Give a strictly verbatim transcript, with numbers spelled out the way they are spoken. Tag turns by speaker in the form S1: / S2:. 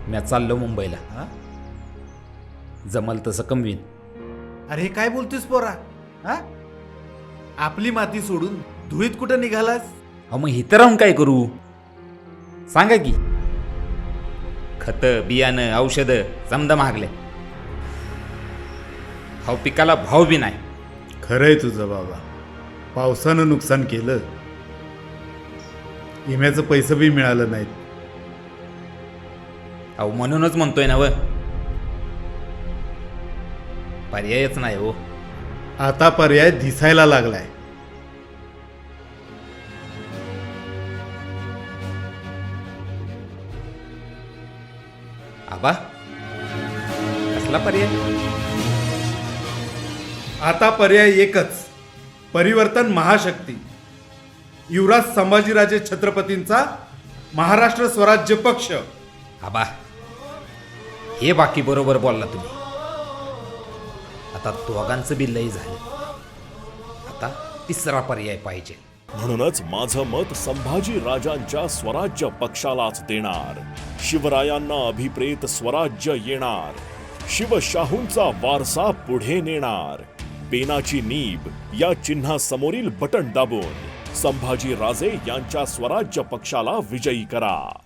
S1: मी चाललो मुंबईला.
S2: हा?
S1: जमल तसं कमवीन.
S2: अरे हे काय बोलतोस पोरा? हा? आपली माती सोडून धुळीत कुठं निघालास?
S1: अहो मग इथं राहून काय करू सांगा की. खतं बियाणं औषधं समजा महागले. भाव पिकाला भाव बी नाही.
S3: खरंय तुझं बाबा. पावसानं नुकसान केलं, विम्याचं पैसे बी मिळालं नाहीत.
S1: अहो म्हणूनच म्हणतोय ना व, पर्यायच नाही हो.
S3: आता पर्याय दिसायला लागलाय.
S1: आबा कसला पर्याय?
S3: आता पर्याय एकच, परिवर्तन महाशक्ती. युवराज संभाजीराजे छत्रपतींचा महाराष्ट्र स्वराज्य पक्ष.
S1: आबा हे बाकी बरोबर बोलला तुम्ही. आता दोघांचं बी लय झालं. आता तिसरा पर्याय पाहिजे.
S4: म्हणूनच माझं मत संभाजी राजांच्या स्वराज्य पक्षालाच देणार. शिवरायांना अभिप्रेत स्वराज्य येणार. शिवशाहूंचा वारसा पुढे नेणार. पेनाची नीब या चिन्हासमोरील बटन दाबून संभाजी राजे यांच्या स्वराज्य पक्षाला विजयी करा.